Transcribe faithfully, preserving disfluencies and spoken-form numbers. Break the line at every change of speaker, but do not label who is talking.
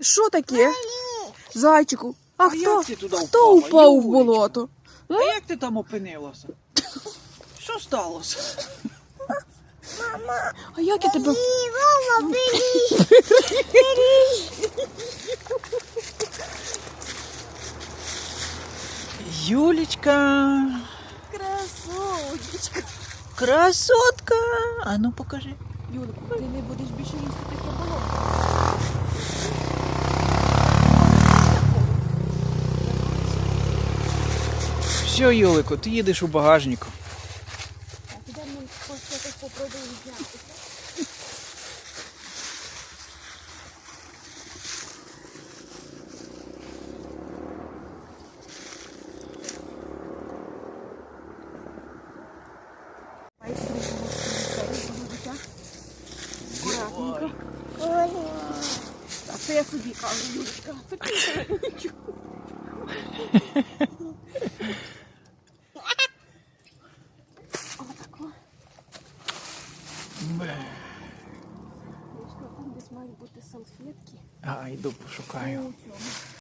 Що таке? Зайчику, а,
А
хто?
як ти туди
Хто
впала,
упав в
Юлечка?
болото?
А як ти там опинилася? Що сталося?
А як я тебе...
Мама, бери!
Юлечка,
Красоточка.
красотка. А ну покажи.
Юлику, ти не будеш більше їсти таке болото.
Все, Юлику, ти їдеш у багажнику.
А туди ми щось попробуємо зняти. Акуратненько. А це я собі кажу, Юлечка. Отако. Юлечка, там десь мають бути салфетки.
А, йду пошукаю.
У цьому.